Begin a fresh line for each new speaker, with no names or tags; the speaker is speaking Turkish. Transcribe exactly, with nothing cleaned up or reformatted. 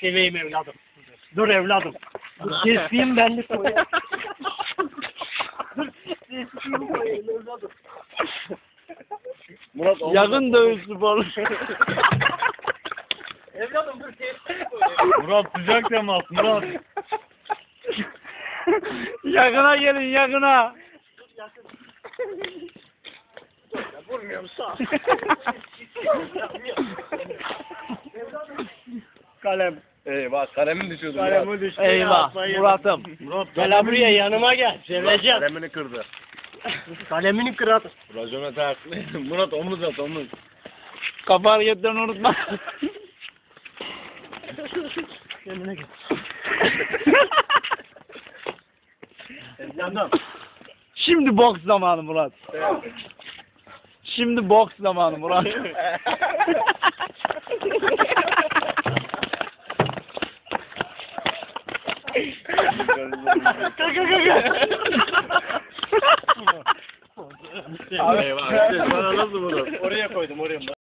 seveyim evladım. Dur evladım. Dur keseyim ben de koyayım. Dur keseyim koyayım evladım.
Murat
Yakın dövüş sporu.
Evladım dur keseyim koyayım.
Murat sıcak temas Murat.
Yakına gelin yakına.
Vurmuyorum sağ. Kalem.
Eyvah kalemin düşüyordu
Kalemi
Murat.
düştü.
Eyvah Murat'ım.
Murat
Gel buraya yanıma gel. Seveceğim.
kalemini kırdı.
Kalemini kırat.
Racona ters. Murat omuz at omuz.
Kafa hareketlerini unutma.
Yanına gel. Evladım.
Şimdi boks zamanı Murat. Şimdi boks zamanı Murat.
Kaka kaka.
Eyvah. Bana nasıl Murat?
Oraya koydum oraya.